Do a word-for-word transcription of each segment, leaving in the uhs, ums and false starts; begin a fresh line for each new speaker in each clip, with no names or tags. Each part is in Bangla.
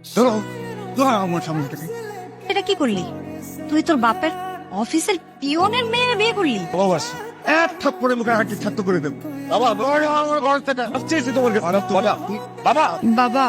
ধরো ধরো আমার সামনে থেকে।
এটা কি করলি তুই? তোর বাপের অফিসের পিয়নের মেয়ের বিয়ে করলি?
ভালোবাসি এক থাপ্পড়ে মুখে হাঁটি ছাত্র করে দেবো। বাবা ধরো আমার ঘর থেকে আসছে তোমার বাবা বাবা
বাবা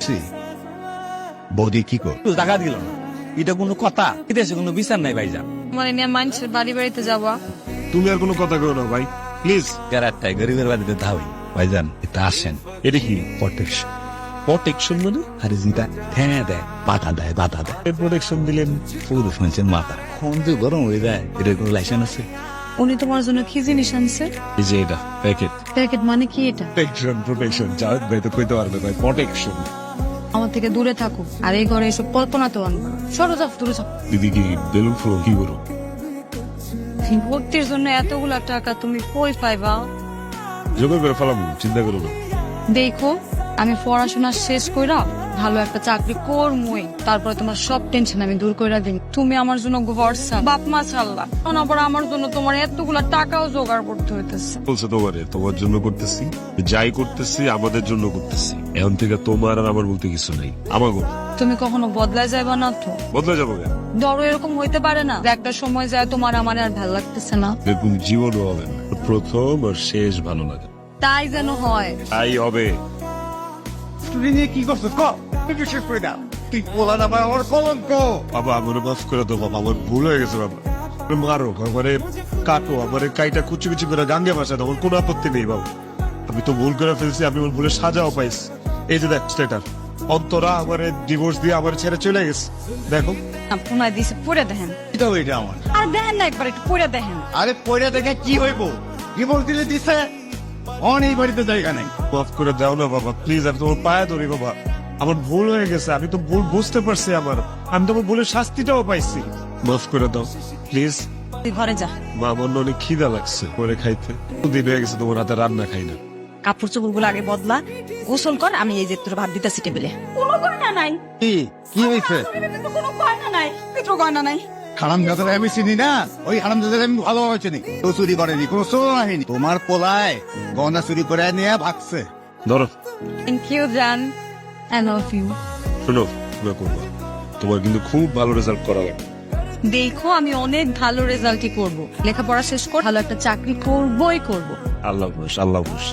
বৌদি কি কর
টাকা দিল না, এটা কোনো কথা? এদেশে কোনো বিচার নাই ভাইজান।
মানে নিয়ে মানুষের বাড়ি বাড়িতে যাওয়া।
তুমি আর কোনো কথা কেউ না ভাই, প্লিজ।
গ্যারাটাই গরিবের বাড়িতে ধাওই ভাইজান, এটা আসেন।
এটা কি
প্রোটেকশন।
প্রোটেকশন মানে?
আরে জিতা ঠেঙে দেয়, বাধা দেয়, বাধা দেয়।
প্রোটেকশন দিলেন?
পুরুষ মানুষের মাথা কোন যে গরম হয়ে যায়, এটার কোনো লাইসেন্স আছে?
উনি তোমার জন্য কি জিনিস আনছে?
এই যে এটা প্যাকেট।
প্যাকেট মানে কি এটা?
প্রোটেকশন প্রোটেকশন জাহেদ ভাই তো কইতে পারবে ভাই, প্রোটেকশন।
আমার থেকে দূরে থাকো, আর এই ঘরে এসব কল্পনা তো আনবা। সরো যাও, দূরে যাও।
দিদি কি বেলুন ফুল কি করো?
ভর্তির জন্য এতগুলা টাকা তুমি কই পাইবা?
জোগাড় করে ফেলাম, চিন্তা করো না।
দেখো, আমি পড়াশোনা শেষ কইরা ভালো একটা চাকরি করমই, তারপরে তোমার সব টেনশন আমি দূর কইরা দিই। তুমি আমার জন্য ভরসা, বাপ মা ছাড়লা, এখন আবার আমার জন্য তোমার এতগুলা টাকাও জোগাড় করতে হইতেছে।
বলছে তোমারে, তোমার জন্য করতেছি, যাই করতেছি আমাদের জন্য করতেছি। এখন থেকে তোমার আর আমার বলতে কিছু নাই, আমাগো।
তুমি কখনো বদলায় যাইবা না তো?
বদলে যাবো কেন?
ধরো এরকম হইতে পারে না যে একটা সময় যায় তোমার আমার আর ভালো লাগতেছে না।
দেখুন জীবনও হবে না, প্রথম আর শেষ ভালো লাগে,
তাই যেন হয়।
তাই হবে।
তুই নিয়ে কি করছো ক তুই শেষ করে দাও। তুই বলা না ভাই আমার কলঙ্ক।
বাবা আমার মাফ করে দাও বাবা, আমার ভুল হয়ে গেছে বাবা। মারো আমারে, কাটো আমারে, কাইটা কুচি কুচি করে গাঙ্গে ভাষা দাও, আমার কোনো আপত্তি নেই বাবা। আমি তো ভুল করে ফেলছি, আমি আমার ভুলের সাজাও পাইছি। এই যে দেখ স্টেটার, অন্তরা আমারে ডিভোর্স দিয়ে আমার ছেড়ে চলে গেছে। দেখো
পুনায় দিছে, পড়ে দেখেন।
এটা এটা আমার
আর দেখেন না, একবার একটু পড়ে দেখেন।
আরে পয়লা দেখে কি হইব? ডিভোর্স দিলে দিছে, অন এই বাড়িতে জায়গা নাই।
মাফ করে দাও না বাবা প্লিজ, আমি তোমার পায়ে ধরি বাবা। আমার ভুল হয়ে গেছে, আমি তো ভুল বুঝতে পারছি আমার, আমি তোমার ভুলের শাস্তিটাও পাইছি। মাফ করে দাও প্লিজ।
তুই ঘরে যা।
মা আমার না অনেক খিদা লাগছে, করে খাইতে দিন হয়ে গেছে তোমার হাতে রান্না খাই না।
কাপড় চোপড় গুলো আগে বদলা, গোসল কর, আমি এই যে তোর ভাত দিতেছি টেবিলে।
কোনো গয়না নাই।
কি কি হইছে?
কোনো গয়না নাই, কিছু গয়না নাই।
হারাম জাদারে আমি চিনি না, ওই হারাম জাদারে আমি ভালোভাবে চিনি। তো চুরি করেনি, কোনো চোর আহেনি। তোমার পোলায় গহনা চুরি করে নিয়ে ভাগছে।
ধরো
থ্যাংক ইউ জান, আই লাভ ইউ।
শোনো, না করবা, তোমার কিন্তু খুব ভালো রেজাল্ট করা লাগবে।
দেখো আমি অনেক ভালো রেজাল্টই করব, লেখাপড়া শেষ কর, ভালো একটা চাকরি করবই করব।
আল্লাহ হাফেজ, আল্লাহ হাফেজ।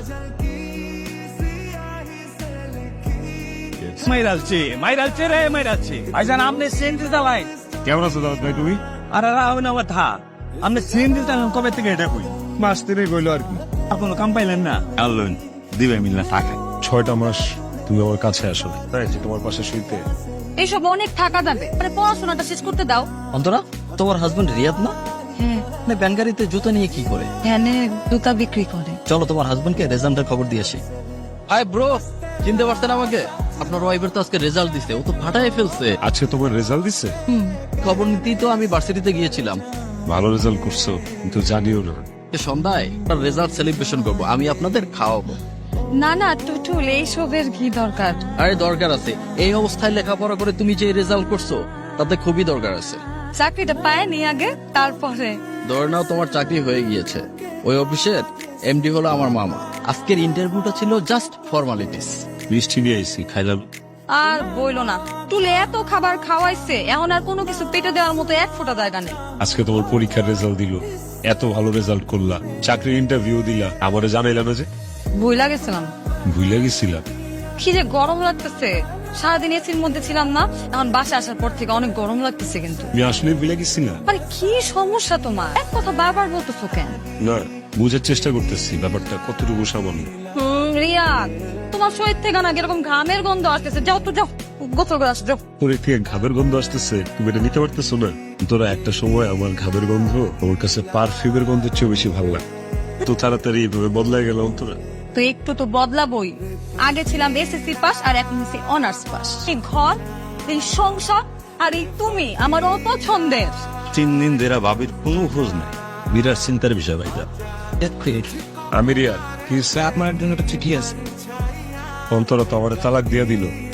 মাইরালছে মাইরালছে রে মাইরালছে ভাইজান, আপনি সিএনজি চালাই?
কেমন আছো দাদা ভাই তুমি?
আরে রাহুল আমার থা, আপনি সিএনজি চালান কবে থেকে? এটা কই
মাস তিনে গইলো আর কি।
আপনার কাম পাইলেন না? আল্লাহ দিবে মিলনা টাকা।
ছয়টা মাস তুমি আমার কাছে আসো, তাই যে তোমার পাশে শুইতে।
এইসব অনেক টাকা যাবে, মানে পড়াশোনাটা শেষ করতে দাও।
অন্তরা, তোমার হাজবেন্ড রিয়াদ না?
হ্যাঁ,
মানে ব্যাংকারিতে জুতা নিয়ে কি করে?
হ্যাঁ জুতা বিক্রি করে।
চলো তোমার হাজবেন্ডকে রেজাল্টের খবর দিয়ে আসি। হাই ব্রো, চিনতে পারছেন আমাকে? আপনার ওয়াইফের তো আজকে রেজাল্ট দিছে, ও তো ফাটাই ফেলছে।
আজকে তোমার রেজাল্ট দিচ্ছে?
খবর নিতেই তো আমি ভার্সিটিতে গিয়েছিলাম।
ভালো রেজাল্ট করছো, কিন্তু জানিও না।
এ সন্ধ্যায় আপনার রেজাল্ট সেলিব্রেশন করব, আমি আপনাদের খাওয়াবো।
না না টুটুল, এইসবের কি দরকার?
আরে দরকার আছে, এই অবস্থায় লেখাপড়া করে তুমি যে রেজাল্ট করছো তাতে খুবই দরকার আছে।
চাকরিটা পায়নি আগে, তারপরে
ধরে নাও তোমার চাকরি হয়ে গিয়েছে, ওই অফিসের এমডি হলো আমার মামা। আজকের ইন্টারভিউটা ছিল জাস্ট ফর্মালিটিস।
মিষ্টি নিয়ে আইসি, খাইলাম।
আর বইলো না, তুলে এত খাবার খাওয়াইছে, এখন আর কোনো কিছু পেটে দেওয়ার মতো এক ফোঁটা জায়গা নেই।
আজকে তোমার পরীক্ষার রেজাল্ট দিল, এত ভালো রেজাল্ট করলা, চাকরির ইন্টারভিউ দিলা, আমারে জানাইলা না যে?
ভুইলা গেছিলাম।
ভুলে গেছিলাম।
কি যে গরম লাগতেছে, সারাদিন এসির মধ্যে ছিলাম না, এখন বাসা আসার পর থেকে অনেক গরম লাগতেছে। কিন্তু
তুমি আসলে ভুলে গেছিলা?
মানে কি সমস্যা তোমার? এক কথা বারবার বলতেছো কেন?
না, বুঝার চেষ্টা করতেছি ব্যাপারটা কতটুকু সামান্য।
হুম রিয়াদ, তোমার শরীর থেকে না এরকম ঘামের গন্ধ আসতেছে, যাও তো যাও, গোসল করে আসো যাও।
তোর থেকে ঘামের গন্ধ আসতেছে, তুমি এটা নিতে পারতেছো না? তোরা একটা সময় আমার ঘামের গন্ধ আমার কাছে পারফিউমের গন্ধের চেয়ে বেশি ভালো লাগে। তো তাড়াতাড়ি এভাবে বদলাই গেল তোরা।
তো একটু তো বদলাবই। আগে ছিলাম এসএসসি পাস, আর এখন হচ্ছে অনার্স পাস। এই ঘর, এই সংসার, আর এই তুমি আমার অপছন্দের।
তিন দিন দেরা ভাবির কোনো খোঁজ নাই, বিরাট চিন্তার বিষয় ভাইটা।
আমি রিয়াদ, কি
আপনার জন্য একটা চিঠি আছে।
অন্তরা তো আমার তালাক দিয়ে দিল।